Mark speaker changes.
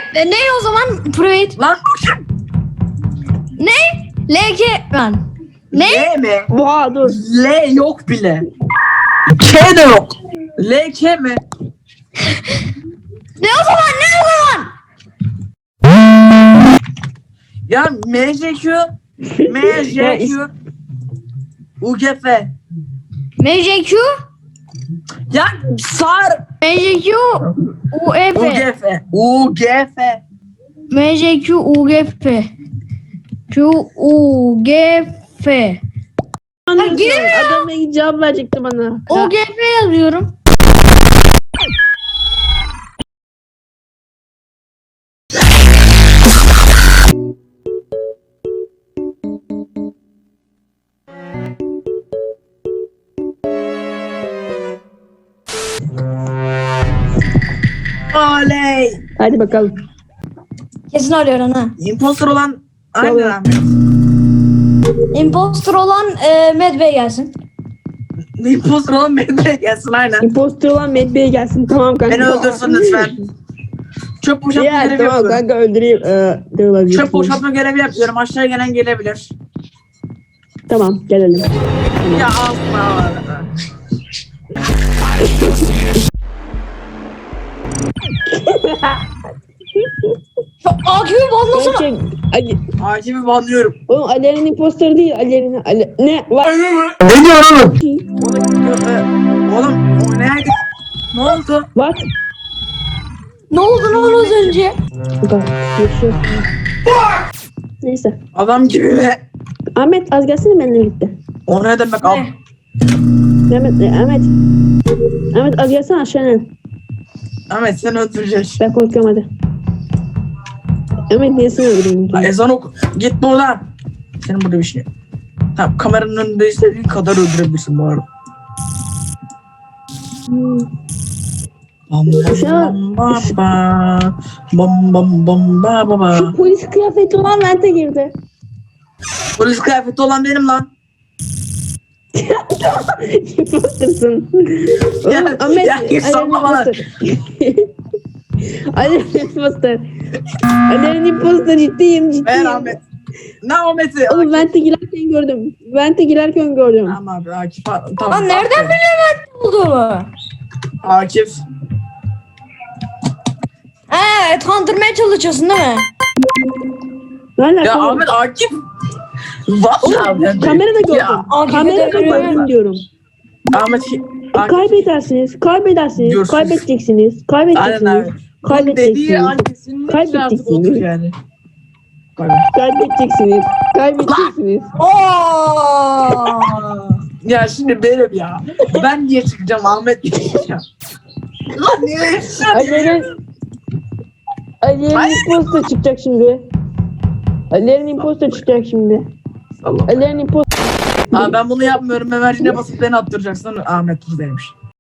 Speaker 1: Ne o zaman? Private.
Speaker 2: Lan
Speaker 1: Ne? LK lan. Ne?
Speaker 2: L mi?
Speaker 3: Oha dur.
Speaker 2: L yok bile. K de yok. L K mi?
Speaker 1: Ne o zaman? Ne o zaman?
Speaker 2: Ya MJQ MJQ UGF.
Speaker 1: MJQ.
Speaker 2: Ya sar
Speaker 1: MJQ. UEF.
Speaker 2: UGF UGF.
Speaker 1: MJQ UGF. Q UGF. giremiyor.
Speaker 3: Adam ne cevap verecekti bana.
Speaker 1: UGF yazıyorum.
Speaker 2: Oley.
Speaker 3: Hadi bakalım.
Speaker 1: Kesin arıyorum ha.
Speaker 2: Imposter olan aynen
Speaker 3: Tabii.
Speaker 2: abi.
Speaker 1: Imposter olan Medbay gelsin.
Speaker 2: Imposter olan beni gelsin aynen.
Speaker 3: Imposter olan Medbay'e gelsin. Tamam kanka.
Speaker 2: Beni öldürsün lütfen. Çöp boşaltma
Speaker 3: Ya
Speaker 2: görevi
Speaker 3: tamam
Speaker 2: yapıyorum.
Speaker 3: kanka öldüreyim. De olabilir.
Speaker 2: Çöp boşaltma görevi yapıyorum. Aşağıya gelen gelebilir.
Speaker 3: Tamam gelelim.
Speaker 2: Ya asma.
Speaker 1: Ya AQ'yu banlasana.
Speaker 3: Gerçek. Ali,
Speaker 2: Hakimi banlıyorum.
Speaker 3: oğlum Ali'nin imposter değil. Ali'nin ne var?
Speaker 2: Ne diyorsun oğlum? Oğlum o neydi? Ne oldu?
Speaker 3: What?
Speaker 1: Ne oldu lan az önce?
Speaker 3: Bak, yaşıyor. Neyse.
Speaker 2: Adam gibi be.
Speaker 3: Ahmet az gelsene benimle birlikte.
Speaker 2: O ne demek abi?
Speaker 3: Ahmet az gelsene aşağıya.
Speaker 2: Ahmet seni öldüreceğiz.
Speaker 3: Ben korkuyorum hadi. Ahmet niye seni öldüreyim?
Speaker 2: Ezan oku. Git buradan. Senin burada bir şey yok. Tamam kameranın önünde istediğin kadar öldürebilirsin bu arada. Bam
Speaker 3: Şu
Speaker 2: bam
Speaker 3: an-
Speaker 2: bam ba. Bam bam bam ba ba ba.
Speaker 3: Şu polis kıyafeti olan vente girdi.
Speaker 2: Polis kıyafeti olan benim lan.
Speaker 3: Imposter'sın.
Speaker 2: Ya,
Speaker 3: Oğlum Ahmet.
Speaker 2: ya, sorma bana.
Speaker 3: Ali'nin imposter. Ali'nin imposter ciddiyim
Speaker 2: Ben
Speaker 3: ciddiyim.
Speaker 2: Ahmet. Ne Ahmet'i?
Speaker 3: Oğlum vente girerken gördüm. Vente girerken gördüm.
Speaker 2: Tamam abi Akif. Tamam.
Speaker 1: Lan nereden bilemedin olduğumu?
Speaker 2: Akif.
Speaker 1: Evet, kandırmaya çalışıyorsun değil mi?
Speaker 3: Ne alaka?
Speaker 2: Ya
Speaker 3: oğlum?
Speaker 2: Ahmet Akif. Vallahi ben
Speaker 3: Kamerada gördüm.
Speaker 1: Ya, Akif'i
Speaker 3: Kamerada
Speaker 1: de görüyorum.
Speaker 3: gördüm diyorum.
Speaker 2: Ahmet. Akif.
Speaker 3: Kaybedersiniz.
Speaker 2: Diyorsunuz.
Speaker 3: Kaybedeceksiniz.
Speaker 2: Aynen
Speaker 3: Kaybedeceksiniz.
Speaker 2: abi. Bunun dediği
Speaker 3: Kaybedeceksiniz.
Speaker 2: an kesinlikle artık
Speaker 3: Kaybedeceksiniz.
Speaker 2: odur yani.
Speaker 3: Kaybedeceksiniz. Kaybedeceksiniz.
Speaker 1: Oo!
Speaker 2: Ya şimdi benim ya. Ben niye çıkacağım Ahmet niye çıkacağım? Lan niye çıkacağım?
Speaker 3: Ali'nin imposter çıkacak şimdi. Ali'nin imposter çıkacak şimdi.
Speaker 2: Allah.
Speaker 3: Ali'nin imposter.
Speaker 2: Aa, ben bunu yapmıyorum. Memercine basıp beni attıracaksın. Ahmet buradaymış.